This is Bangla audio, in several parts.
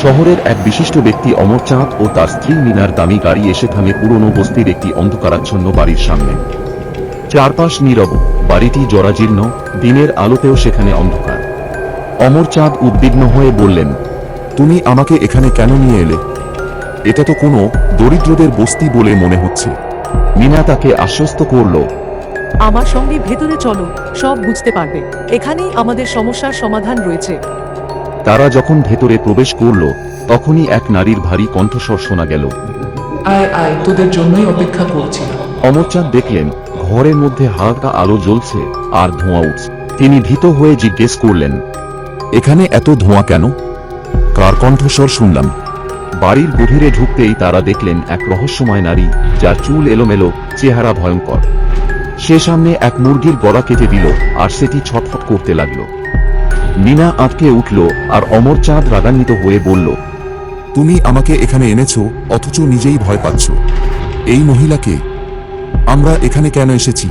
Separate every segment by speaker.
Speaker 1: শহরের এক বিশিষ্ট ব্যক্তি অমরচাঁদ ও তার স্ত্রী মিনার দামি গাড়ি এসে থামে পুরনো বস্তির একটি অন্ধকারাচ্ছন্ন বাড়ির সামনে। চারপাশ নীরব, বাড়িটি জরাজীর্ণ, দিনের আলোতেও সেখানে অন্ধকার। অমরচাঁদ উদ্বিগ্ন হয়ে বললেন,
Speaker 2: তুমি আমাকে এখানে কেন নিয়ে এলে? এটা তো কোনো দরিদ্রদের বস্তি বলে মনে হচ্ছে।
Speaker 1: মিনা তাকে আশ্বস্ত করল,
Speaker 3: আমার সঙ্গে ভেতরে চলো, সব বুঝতে পারবে। এখানেই আমাদের সমস্যার সমাধান রয়েছে।
Speaker 1: তারা যখন ভেতরে প্রবেশ করল তখনই এক নারীর ভারী কণ্ঠস্বর শোনা গেল।
Speaker 4: আয় আয়, তোদের জন্যই অপেক্ষা করছিলাম।
Speaker 1: অমরচাঁদ দেখলেন ঘরের মধ্যে হালকা আলো জ্বলছে আর ধোঁয়া উঠছে। তিনি ভীত হয়ে জিজ্ঞেস করলেন,
Speaker 2: এখানে এত ধোঁয়া কেন? কার কণ্ঠস্বর শুনলাম?
Speaker 1: বাড়ির গভীরে ঢুকতেই তারা দেখলেন এক রহস্যময় নারী, যার চুল এলোমেলো, চেহারা ভয়ঙ্কর। সে সামনে এক মুরগির গলা কেটে দিল আর সেটি ছটফট করতে লাগল। মিনা আঁতকে উঠল আর অমরচাঁদ রাগান্বিত হয়ে বলল,
Speaker 2: তুমি আমাকে এখানে এনেছো অথচ নিজেই ভয় পাচ্ছ। এই মহিলাকে? আমরা এখানে কেন এসেছি?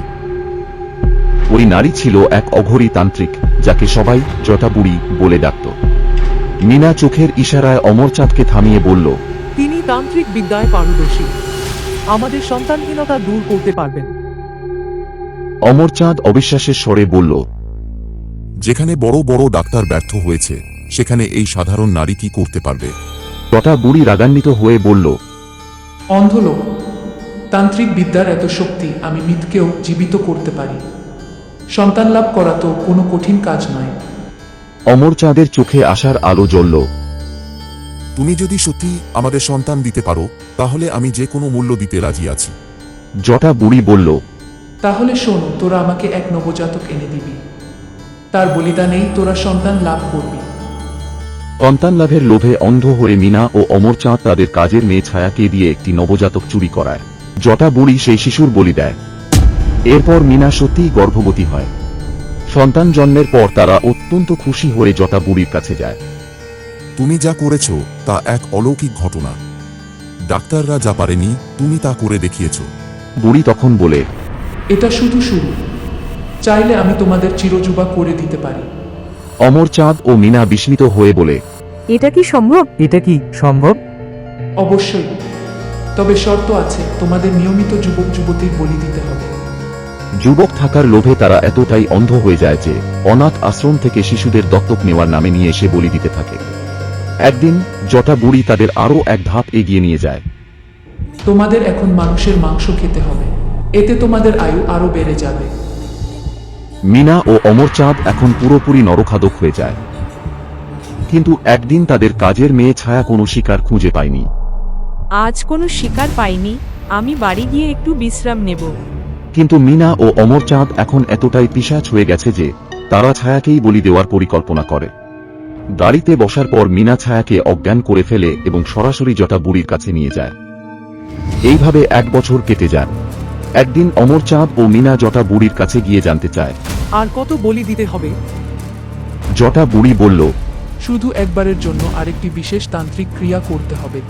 Speaker 1: ওই নারী ছিল এক অঘরী তান্ত্রিক, যাকে সবাই জটাবুড়ি বলে ডাকত। মিনা চোখের ইশারায় অমরচাঁদকে থামিয়ে বলল,
Speaker 3: তিনি তান্ত্রিক বিদ্যায় পারদর্শী। আমাদের সন্তানহীনতা দূর করতে পারবেন।
Speaker 1: অমরচাঁদ অবিশ্বাসের স্বরে বলল,
Speaker 2: যেখানে বড় বড় ডাক্তার ব্যর্থ হয়েছে সেখানে এই সাধারণ নারী কি করতে পারবে?
Speaker 1: জটাবুড়ি রাগান্বিত হয়ে বলল,
Speaker 4: অন্ধ লোক, তান্ত্রিক বিদ্যার এত শক্তি, আমি মৃতকেও জীবিত করতে পারি। সন্তান লাভ করা তো কোনো কঠিন কাজ নয়।
Speaker 1: অমরচাঁদের চোখে আসার আলো জ্বলল।
Speaker 2: তুমি যদি সত্যি আমাদের সন্তান দিতে পারো তাহলে আমি যে কোনো মূল্য দিতে রাজি আছি।
Speaker 1: জটাবুড়ি বলল,
Speaker 4: তাহলে শোনো, তোরা আমাকে এক নবজাতক এনে দিবি। তার বলিদানেই তোরা সন্তান লাভ করবি।
Speaker 1: সন্তান লাভের লোভে অন্ধ হয়ে মিনা ও অমরচাঁদ তাদের কাজের মেয়ে ছায়াকে দিয়ে একটি নবজাতক চুরি করায়। জটাবুড়ি সেই শিশুর বলি দেয়। এরপর মিনা সত্যিই গর্ভবতী হয়। সন্তান জন্মের পর তারা অত্যন্ত খুশি হয়ে জটাবুড়ির কাছে যায়।
Speaker 2: তুমি যা করেছো তা এক অলৌকিক ঘটনা। ডাক্তাররা যা পারেনি তুমি তা করে দেখিয়েছো।
Speaker 1: বুড়ি তখন বলে,
Speaker 4: এটা শুধু শুরু। চাইলে আমি তোমাদের চিরযুবা করে দিতে পারি।
Speaker 1: অমরচাঁদ ও মিনা বিস্মিত হয়ে বলে,
Speaker 5: এটা কি সম্ভব?
Speaker 4: অবশ্যই, তবে শর্ত আছে, তোমাদের নিয়মিত যুবক যুবতীর বলি দিতে হবে।
Speaker 1: যুবক থাকার লোভে তারা এতটাই অন্ধ হয়ে যায় যে অনাথ আশ্রম থেকে শিশুদের দত্তক নেওয়ার নামে নিয়ে এসে বলি দিতে থাকে। একদিন জটাবুড়ি তাদের আরও এক ধাপ এগিয়ে নিয়ে যায়।
Speaker 4: তোমাদের এখন মানুষের মাংস খেতে হবে, এতে তোমাদের আয়ু আরো বেড়ে যাবে।
Speaker 1: মিনা ও অমরচাঁদ এখন পুরোপুরি নরখাদক হয়ে যায়। কিন্তু একদিন তাদের কাজের মেয়ে ছায়া কোনো শিকার খুঁজে পায়নি।
Speaker 5: আজ কোনো শিকার পাইনি, আমি বাড়ি গিয়ে একটু বিশ্রাম নেব।
Speaker 1: কিন্তু মিনা ও অমরচাঁদ এখন এতটাই পিশাচ হয়ে গেছে যে তারা ছায়াকেই বলি দেওয়ার পরিকল্পনা করে। গাড়িতে বসার পর মিনা ছায়াকে অজ্ঞান করে ফেলে এবং সরাসরি জটাবুড়ির কাছে নিয়ে যায়। এইভাবে 1 বছর কেটে যায়। একদিন অমরচাঁদ ও মিনা জটাবুড়ির কাছে গিয়ে জানতে চায়,
Speaker 3: আর কত বলি দিতে হবে?
Speaker 1: জটাবুড়ি বলল,
Speaker 4: শুধু একবারের জন্য আরেকটি বিশেষ তান্ত্রিক ক্রিয়া করতে হবে।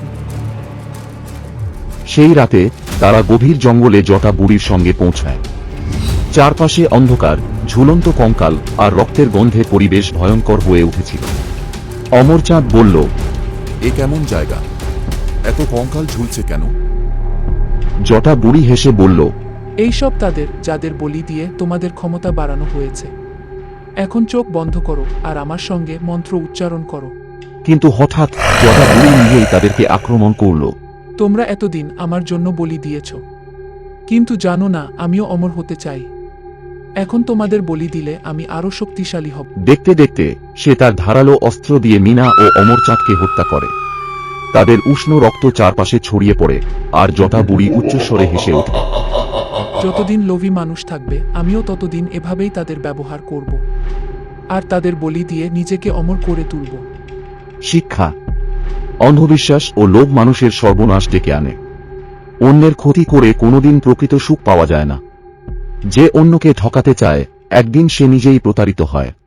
Speaker 1: সেই রাতে তারা গভীর জঙ্গলে জটাবুড়ির সঙ্গে পৌঁছায়। চারপাশে অন্ধকার, ঝুলন্ত কঙ্কাল আর রক্তের গন্ধে পরিবেশ ভয়ঙ্কর হয়ে উঠেছিল। অমরচাঁদ বলল,
Speaker 2: এ কেমন জায়গা? এত কঙ্কাল ঝুলছে কেন?
Speaker 1: জটাবুড়ি হেসে বলল,
Speaker 4: এইসব তাদের, যাদের বলি দিয়ে তোমাদের ক্ষমতা বাড়ানো হয়েছে। এখন চোখ বন্ধ করো আর আমার সঙ্গে মন্ত্র উচ্চারণ করো।
Speaker 1: কিন্তু হঠাৎ জটাবুড়ি নিজেই তাদেরকে আক্রমণ করল।
Speaker 4: তোমরা এতদিন আমার জন্য বলি দিয়েছ, কিন্তু জানো না আমিও অমর হতে চাই। এখন তোমাদের বলি দিলে আমি আরো শক্তিশালী হব।
Speaker 1: দেখতে দেখতে সে তার ধারালো অস্ত্র দিয়ে মিনা ও অমরচাঁদকে হত্যা করে। তাদের উষ্ণ রক্ত চারপাশে ছড়িয়ে পড়ে আর জটাবুড়ি উচ্চস্বরে হেসে ওঠে।
Speaker 4: যতদিন লোভী মানুষ থাকবে আমিও ততদিন এভাবেই তাদের ব্যবহার করব, আর তাদের বলি দিয়ে নিজেকে অমর করে তুলব।
Speaker 1: শিক্ষা: অন্ধবিশ্বাস ও লোভ মানুষের সর্বনাশ ডেকে আনে। অন্যের ক্ষতি করে কোনোদিন প্রকৃত সুখ পাওয়া যায় না। যে অন্যকে ঠকাতে চায় একদিন সে নিজেই প্রতারিত হয়।